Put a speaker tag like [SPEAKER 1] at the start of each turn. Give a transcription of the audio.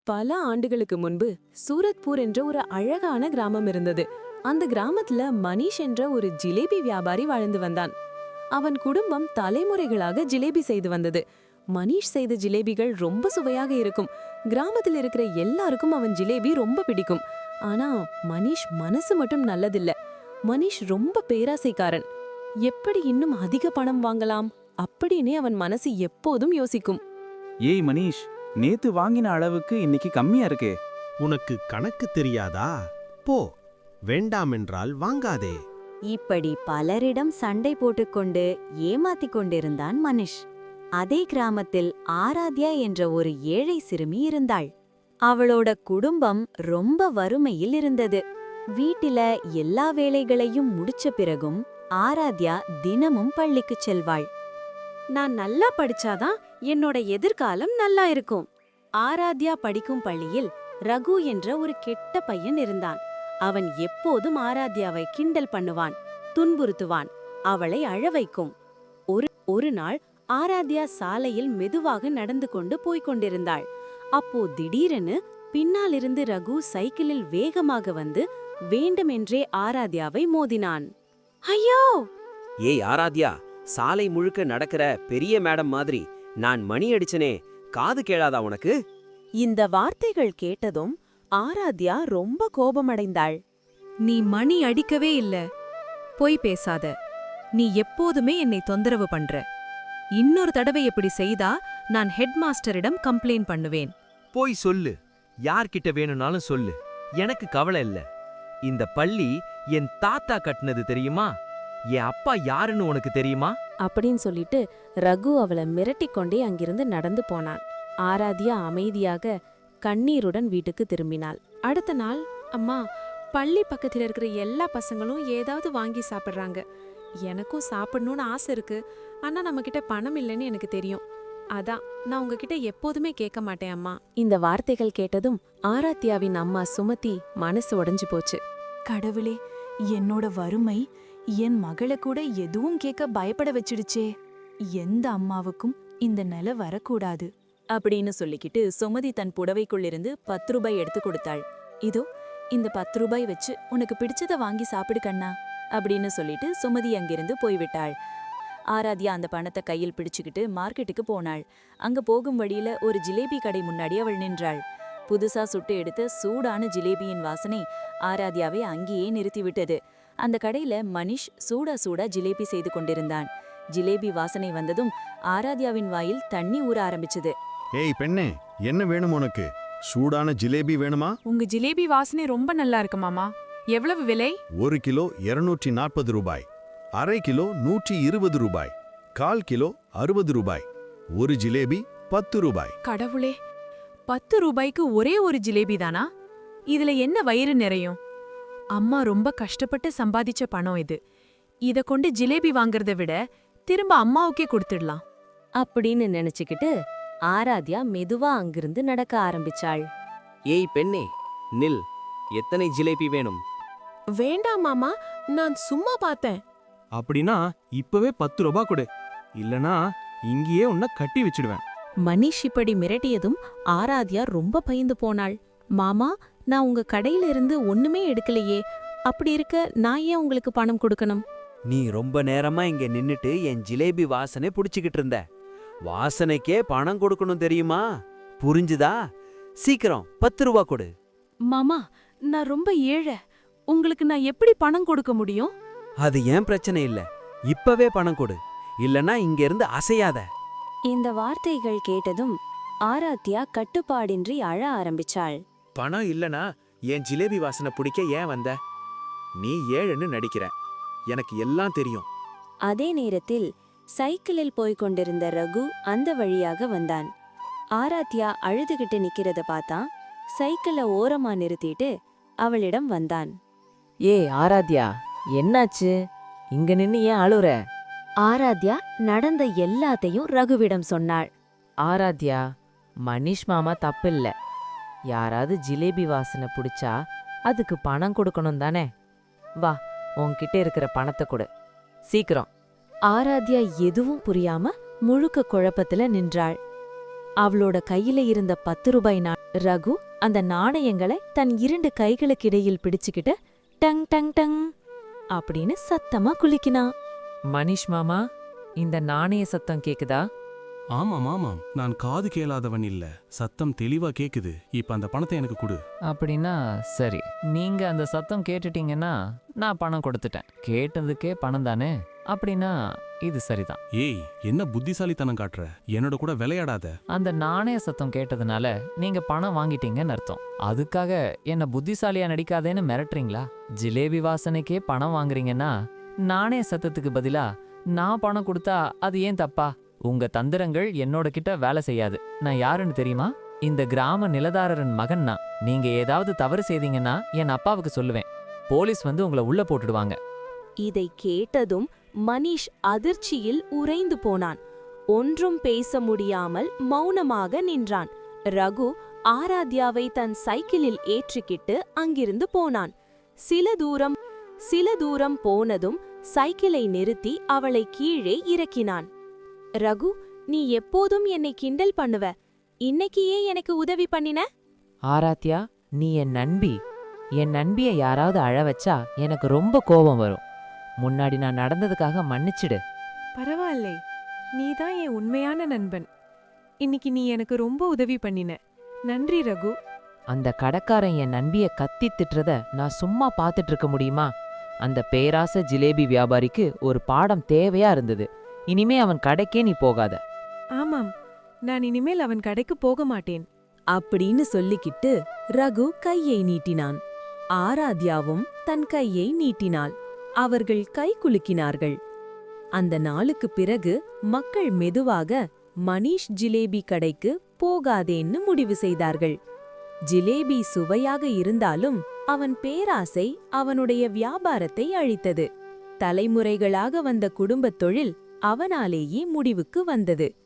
[SPEAKER 1] பல ஆண்டுகளுக்கு முன்பு சூரத்பூர் என்ற ஒரு அழகான கிராமம் இருந்தது. அந்த கிராமத்துல மனிஷ் என்ற ஒரு ஜிலேபி வியாபாரி வாழ்ந்து வந்தான். அவன் குடும்பம் தலைமுறைகளாக ஜிலேபி செய்து வந்தது. மனிஷ் செய்த ஜிலேபிகள் ரொம்ப சுவையாக இருக்கும். கிராமத்தில் இருக்கிற எல்லாருக்கும் அவன் ஜிலேபி ரொம்ப பிடிக்கும். ஆனா மனிஷ் மனசு மட்டும் நல்லதில்ல. மனிஷ் ரொம்ப பேராசைக்காரன். எப்படி இன்னும் அதிக பணம் வாங்கலாம் அப்படின்னே அவன் மனசு எப்போதும் யோசிக்கும்.
[SPEAKER 2] ஏய் மனிஷ், நேத்து வாங்கின அளவுக்கு இன்னைக்கு கம்மியா இருக்கே.
[SPEAKER 3] உனக்கு கணக்கு தெரியாதா? போ, வேண்டாமென்றால் வாங்காதே.
[SPEAKER 4] இப்படி பலரிடம் சண்டை போட்டுக்கொண்டு ஏமாத்திக் கொண்டிருந்தான் மனிஷ். அதே கிராமத்தில் ஆராத்யா என்ற ஒரு ஏழை சிறுமி இருந்தாள். அவளோட குடும்பம் ரொம்ப வறுமையில் இருந்தது. வீட்டில எல்லா வேலைகளையும் முடிச்ச பிறகும் ஆராத்யா தினமும் பள்ளிக்குச் செல்வாள்.
[SPEAKER 5] நான் நல்லா படிச்சாதான் என்னோட எதிர்காலம் நல்லா இருக்கும். ஆராத்யா படிக்கும் பள்ளியில் ரகு என்ற ஒரு கெட்ட பையன் இருந்தான். அவன் எப்போதும் ஆராத்யாவை கிண்டல் பண்ணுவான், துன்புறுத்துவான், அவளை அழ வைக்கும். ஒரு நாள் ஆராத்யா சாலையில் மெதுவாக நடந்து கொண்டு போய்க் கொண்டிருந்தாள். அப்போ திடீரென பின்னாலிருந்து ரகு சைக்கிளில் வேகமாக வந்து வேண்டுமென்றே ஆராத்யாவை மோதினான். ஐயோ!
[SPEAKER 6] ஏய் ஆராத்யா, சாலை முழுக்க நடக்கிற பெரிய மேடம் மாதிரி நான் மணி அடிச்சனே, காது கேளாதா உனக்கு?
[SPEAKER 5] இந்த வார்த்தைகள் கேட்டதும் ஆராத்யா ரொம்ப கோபமடைந்தாள்.
[SPEAKER 7] நீ மணி அடிக்கவே இல்ல. பொய் பேசாத. நீ எப்போதுமே என்னை தொந்தரவு பண்ற. இன்னொரு தடவை எப்படி செய்தா நான் ஹெட் மாஸ்டரிடம் கம்ப்ளைண்ட் பண்ணுவேன்.
[SPEAKER 8] போய் சொல்லு, யார்கிட்ட வேணும்னாலும் சொல்லு, எனக்கு கவலை இல்ல. இந்த பள்ளி என் தாத்தா கட்டினது தெரியுமா? என் அப்பா யாருன்னு உனக்கு தெரியுமா?
[SPEAKER 5] அப்படின்னு சொல்லிட்டு ரகு அவளை மிரட்டிக் கொண்டே அங்கிருந்து நடந்து போனான். ஆராத்யா அமைதியாக கண்ணீருடன் வீட்டுக்கு திரும்பினாள். அடுத்த நாள், அம்மா, பள்ளி பக்கத்துல இருக்கிற எல்லா பசங்களும் ஏதாவது வாங்கி சாப்பிடுறாங்க. எனக்கும் சாப்பிடணும்னு ஆசை இருக்கு. ஆனா நம்ம கிட்ட பணம் இல்லைன்னு எனக்கு தெரியும். அதான் நான் உங்ககிட்ட எப்போதுமே கேட்க மாட்டேன் அம்மா. இந்த வார்த்தைகள் கேட்டதும் ஆராத்யாவின் அம்மா சுமதி மனசு உடைஞ்சு போச்சு.
[SPEAKER 9] கடவுளே, என்னோட வறுமை என் மகளை கூட எதுவும் கேட்க பயப்பட வச்சிடுச்சே. எந்த அம்மாவுக்கும் இந்த நிலை வரக்கூடாது
[SPEAKER 1] அப்படின்னு சொல்லிக்கிட்டு சுமதி தன் புடவைக்குள்ளிருந்து 10 ரூபாய் எடுத்து கொடுத்தாள். இதோ இந்த 10 ரூபாய் வச்சு உனக்கு பிடிச்சத வாங்கி சாப்பிடு கண்ணா அப்படின்னு சொல்லிட்டு சுமதி அங்கிருந்து போய்விட்டாள். ஆராத்யா அந்த பணத்தை கையில் பிடிச்சுக்கிட்டு மார்க்கெட்டுக்கு போனாள். அங்க போகும் வழியில ஒரு ஜிலேபி கடை முன்னாடி அவள் நின்றாள். புதுசா சுட்டு எடுத்த சூடான ஜிலேபியின் வாசனை ஆராத்யாவை அங்கேயே நிறுத்திவிட்டது. அந்த கடையில மனிஷ் சூடா ஜிலேபி செய்து கொண்டிருந்தான். ஜிலேபி வாசனை வந்ததும் ஆராத்யாவின் வாயில் தண்ணி ஊற ஆரம்பிச்சது.
[SPEAKER 3] ஏய் பெண்ணே, என்ன வேணும் உனக்கு? சூடான ஜிலேபி வேணுமா?
[SPEAKER 9] உங்க ஜிலேபி வாசனை ரொம்ப நல்லா இருக்கு மாமா. எவ்வளவு விலை?
[SPEAKER 3] 1 கிலோ 240 ரூபாய், அரை கிலோ 120 ரூபாய், 1/4 கிலோ 60 ரூபாய், ஒரு ஜிலேபி 10 ரூபாய்.
[SPEAKER 9] கடவுளே, 10 ரூபாய்க்கு ஒரே ஒரு ஜிலேபி தானா? இதுல என்ன வயிறு நிறையும்? அம்மா ரொம்ப கஷ்டப்பட்டு சம்பாதிச்ச பணம் இது. இத கொண்டு ஜிலேபி வாங்கறத விட திரும்ப அம்மாவுக்கே கொடுத்துடலாம்
[SPEAKER 5] அப்படின்னு நினைச்சுக்கிட்டு ஆராத்யா மெதுவா அங்கிருந்து நடக்க ஆரம்பிச்சாள்.
[SPEAKER 6] ஏய் பெண்ணே, நில். எத்தனை ஜிலேபி வேணும்?
[SPEAKER 5] வேண்டாம் மாமா, நான் சும்மா பார்த்தேன்.
[SPEAKER 2] அப்படின்னா இப்பவே 10 ரூபாய் கொடு, இல்லனா இங்கேயே உன்னை கட்டி வச்சிடுவேன்.
[SPEAKER 5] மனிஷ் இப்படி மிரட்டியதும் ஆராத்யா ரொம்ப பயந்து போனாள். மாமா, நான் உங்க கடையில இருந்து ஒண்ணுமே எடுக்கலையே. அப்படி இருக்க நான் ஏன் உங்களுக்கு பணம் கொடுக்கணும்?
[SPEAKER 6] நீ ரொம்ப நேரமா இங்க நின்னுட்டு என் ஜிலேபி வாசனை புடிச்சுக்கிட்டு இருந்த. வாசனைக்கே பணம் கொடுக்கணும் தெரியுமா? புரிஞ்சுதா? சீக்கிரம் 10 ரூபாய் கொடு.
[SPEAKER 9] மாமா, நான் ரொம்ப ஏழை. உங்களுக்கு நான் எப்படி பணம் கொடுக்க முடியும்?
[SPEAKER 6] அது ஏன் பிரச்சனை இல்ல. இப்பவே பணம் கொடு, இல்லனா இங்க இருந்து அசையாத.
[SPEAKER 4] இந்த வார்த்தைகள் கேட்டதும் ஆராத்யா கட்டுப்பாடின்றி அழ ஆரம்பிச்சாள்.
[SPEAKER 8] பணம் இல்லனா என் ஜிலேபி வாசனை பிடிக்க ஏன் வந்த? நீ ஏழுன்னு நடிக்கிற, எனக்கு எல்லாம் தெரியும்.
[SPEAKER 4] அதே நேரத்தில் சைக்கிளில் போய்க் கொண்டிருந்த ரகு அந்த வழியாக வந்தான். ஆராத்யா அழுதுகிட்டு நிக்கிறத பார்த்தான். சைக்கிளை ஓரமா நிறுத்திட்டு அவளிடம் வந்தான்.
[SPEAKER 5] ஏய் ஆராத்யா, என்னாச்சு? இங்க நின்னு ஏன் அழுற?
[SPEAKER 4] ஆராத்யா நடந்த எல்லாத்தையும் ரகுவிடம் சொன்னாள்.
[SPEAKER 5] ஆராத்யா, மனிஷ் மாமா தப்பில்ல. யாராவது ஜிலேபி வாசனை பிடிச்சா அதுக்கு பணம் கொடுக்கணும் தானே? வா, உன்கிட்ட இருக்கிற பணத்தை கொடு சீக்கிரம்.
[SPEAKER 4] ஆராத்யா எதுவும் புரியாம முழுக்க குழப்பத்துல நின்றாள். அவளோட கையில இருந்த 10 ரூபாய்
[SPEAKER 1] ரகு அந்த நாணயங்களை தன் 2 கைகளுக்கிடையில் பிடிச்சுக்கிட்டு டங் டங் டங் அப்படின்னு சத்தமா குலுக்கினான்.
[SPEAKER 10] மனிஷ் மாமா, இந்த நாணய சத்தம் கேக்குதா?
[SPEAKER 2] ஆமாம் ஆமாம், நான் காது கேளாதவன் இல்ல, சத்தம் தெளிவா கேக்குது. இப்ப அந்த பணத்தை எனக்கு கொடு.
[SPEAKER 10] அப்படின்னா சரி, நீங்க அந்த சத்தம் கேட்டுட்டீங்கன்னா நான் பணம் கொடுத்துட்டேன். கேட்டதுக்கே பணம் தானே? அப்படின்னா இது சரிதான்.
[SPEAKER 2] ஏய், என்ன புத்திசாலித்தனம் காட்டுற? என்னோட கூட விளையாடாத.
[SPEAKER 10] அந்த நாணய சத்தம் கேட்டதுனால நீங்க பணம் வாங்கிட்டீங்கன்னு அர்த்தம். அதுக்காக என்ன புத்திசாலியா நடிக்காதேன்னு மிரட்டுறீங்களா? ஜிலேபி வாசனைக்கே பணம் வாங்குறீங்கன்னா நாணய சத்தத்துக்கு பதிலா நான் பணம் கொடுத்தா அது ஏன் தப்பா? உங்க தந்திரங்கள் என்னோட கிட்ட வேலை செய்யாது. நான் யாருன்னு தெரியுமா? இந்த கிராம நிலதாரரின் மகன் நான். நீங்க ஏதாவது தவறு செய்தீங்கன்னா என் அப்பாவுக்கு சொல்லுவேன். போலீஸ் வந்து உங்களை உள்ள போட்டுடுவாங்க.
[SPEAKER 5] இதை கேட்டதும் மனிஷ் அதிர்ச்சியில் உறைந்து போனான். ஒன்றும் பேச முடியாமல் மௌனமாக நின்றான். ரகு ஆராத்யாவை தன் சைக்கிளில் ஏற்றிக்கிட்டு அங்கிருந்து போனான். சில தூரம் போனதும் சைக்கிளை நிறுத்தி அவளை கீழே இறக்கினான். ரகு, நீ எப்போதும் என்னை கிண்டல் பண்ணுவ. இன்னைக்கு ஏன் எனக்கு உதவி பண்ணின?
[SPEAKER 10] ஆராத்யா, நீ என் நண்பி. என் நண்பிய யாராவது அழ வச்சா எனக்கு ரொம்ப கோபம் வரும். முன்னாடி நான் நடந்ததுக்காக மன்னிச்சிடு.
[SPEAKER 9] பரவாயில்லை, நீதான் என் உண்மையான நண்பன். இன்னைக்கு நீ எனக்கு ரொம்ப உதவி பண்ணின. நன்றி ரகு.
[SPEAKER 10] அந்த கடைக்காரன் என் நண்பிய கத்தி திட்டுறத நான் சும்மா பார்த்துட்டு இருக்க முடியுமா? அந்த பேராசை ஜிலேபி வியாபாரிக்கு ஒரு பாடம் தேவையா இருந்தது. இனிமே அவன் கடைக்கே நீ போகாத.
[SPEAKER 9] ஆமாம், நான் இனிமேல் அவன் கடைக்கு போக மாட்டேன்
[SPEAKER 5] அப்படின்னு சொல்லிக்கிட்டு ரகு கையை நீட்டினான். ஆராத்யாவும் தன் கையை நீட்டினாள். அவர்கள் கை குலுக்கினார்கள். அந்த நாளுக்குப் பிறகு மக்கள் மெதுவாக மனிஷ் ஜிலேபி கடைக்கு போகாதேன்னு முடிவு செய்தார்கள். ஜிலேபி சுவையாக இருந்தாலும் அவன் பேராசை அவனுடைய வியாபாரத்தை அழித்தது. தலைமுறைகளாக வந்த குடும்பத் தொழில் அவனாலேயே முடிவுக்கு வந்தது.